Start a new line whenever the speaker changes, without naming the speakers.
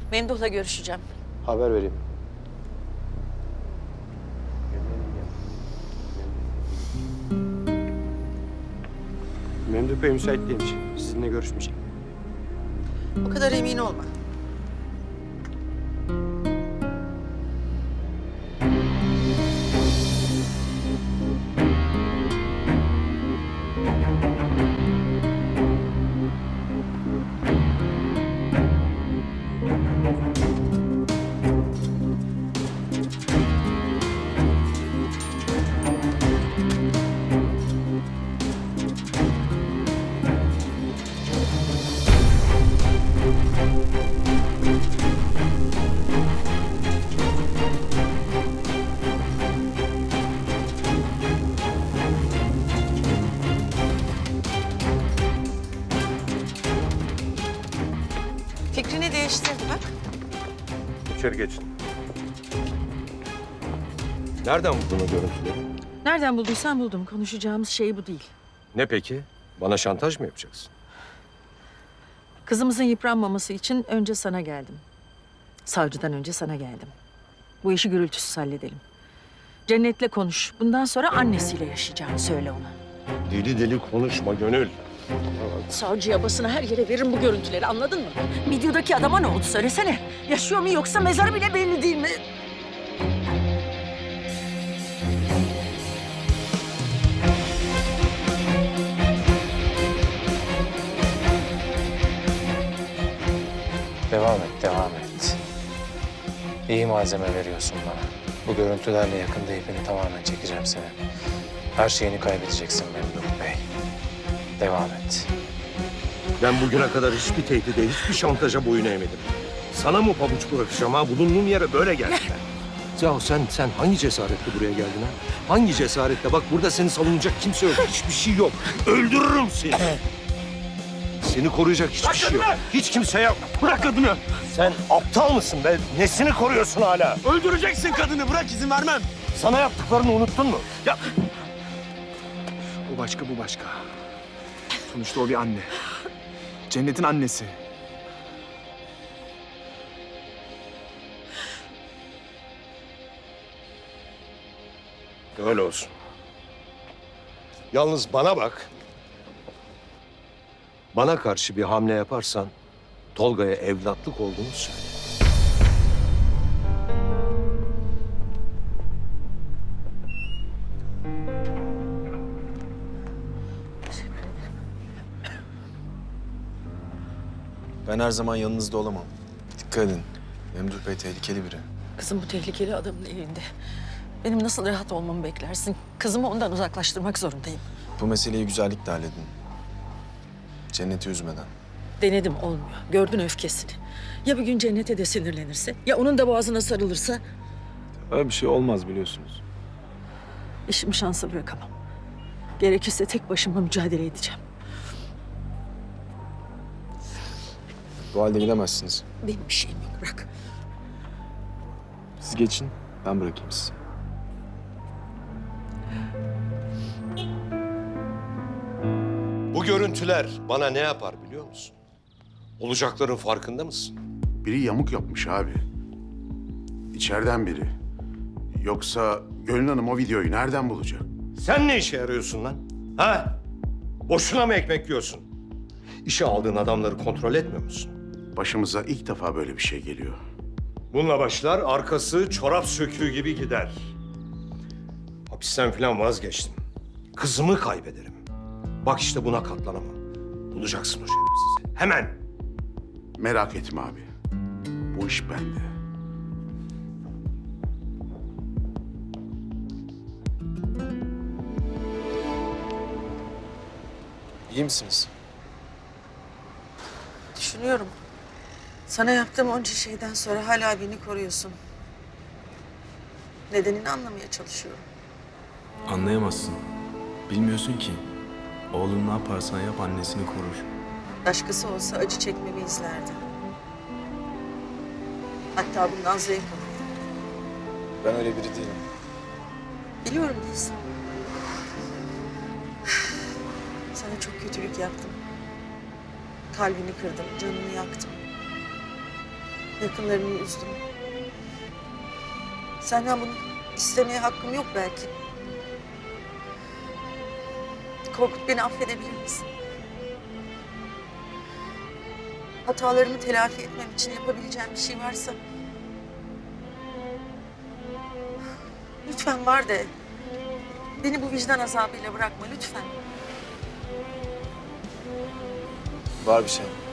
Memduh'la görüşeceğim.
Haber vereyim. Memduh Bey müsait değilmiş. Sizinle görüşmeyecek.
O kadar emin olma. Fikrini değiştirdi bak.
İçeri geçin. Nereden buldun o görüntüleri?
Nereden bulduysan buldum. Konuşacağımız şey bu değil.
Ne peki? Bana şantaj mı yapacaksın?
Kızımızın yıpranmaması için önce sana geldim. Savcıdan önce sana geldim. Bu işi gürültüsüz halledelim. Cennet'le konuş. Bundan sonra annesiyle yaşayacağını söyle ona.
Deli deli konuşma Gönül.
Savcıya, basına, her yere veririm bu görüntüleri, anladın mı? Videodaki adama ne oldu söylesene. Yaşıyor mu yoksa mezarı bile belli değil mi?
Devam et, devam et. İyi malzeme veriyorsun bana. Bu görüntülerle yakında ipini tamamen çekeceğim seni. Her şeyini kaybedeceksin Memduh Bey. Devam et.
Ben bugüne kadar hiçbir tehdide, hiçbir şantaja boyun eğmedim. Sana mı pabuç bırakacağım ha? Bulunduğum yere böyle geldim ben. Ya sen hangi cesaretle buraya geldin ha? Hangi cesaretle? Bak burada seni savunacak kimse yok. Hiçbir şey yok. Öldürürüm seni. Seni koruyacak hiçbir şey yok. Hiç kimse yok. Bırak kadını. Sen aptal mısın be? Nesini koruyorsun hala?
Öldüreceksin kadını. Bırak, izin vermem.
Sana yaptıklarını unuttun mu? Ya
O başka, bu başka. Sonuçta o bir anne. Cennet'in annesi.
öyle olsun. Yalnız bana bak. Bana karşı bir hamle yaparsan Tolga'ya evlatlık olduğunu söyle.
Ben her zaman yanınızda olamam. Dikkat edin. Memduh Bey tehlikeli biri.
Kızım bu tehlikeli adamın elinde. Benim nasıl rahat olmamı beklersin? Kızımı ondan uzaklaştırmak zorundayım.
Bu meseleyi güzellikle halledin. Cennet'i üzmeden.
Denedim, olmuyor. Gördün öfkesini. Ya bir gün Cennet'e de sinirlenirse? Ya onun da boğazına sarılırsa?
Öyle bir şey olmaz biliyorsunuz.
İşimi şansa bırakamam. Gerekirse tek başıma mücadele edeceğim.
Bu halde gidemezsiniz.
Benim bir şeyim yok, bırak.
Siz geçin, ben bırakayım sizi.
Bu görüntüler bana ne yapar biliyor musun? Olacakların farkında mısın?
Biri yamuk yapmış abi. İçeriden biri. Yoksa Gönül Hanım o videoyu nereden bulacak?
Sen ne işe yarıyorsun lan? Ha? Boşuna mı ekmek yiyorsun? İşe aldığın adamları kontrol etmiyor musun?
Başımıza ilk defa böyle bir şey geliyor.
Bununla başlar, arkası çorap söküğü gibi gider. Hapisten falan vazgeçtim. Kızımı kaybederim. Bak işte buna katlanamam. Bulacaksın o şerefsizi. Hemen.
Merak etme abi. Bu iş bende.
İyi misiniz?
Düşünüyorum. Sana yaptığım onca şeyden sonra hala beni koruyorsun. Nedenini anlamaya çalışıyorum.
Anlayamazsın. Bilmiyorsun ki. Oğlun ne yaparsan yap annesini korur.
Başkası olsa acı çekmemi izlerdi. Hatta bundan zevk alırdı.
Ben öyle biri değilim.
Biliyorum değilsin. Sana çok kötülük yaptım. Kalbini kırdım, canını yaktım.
Yakınlarını üzdüm. Senden bunu istemeye hakkım yok belki. Korkut, beni affedebilir misin? Hatalarımı telafi etmem için yapabileceğim bir şey varsa... Lütfen var de. Beni bu vicdan azabıyla bırakma lütfen.
Var bir şey.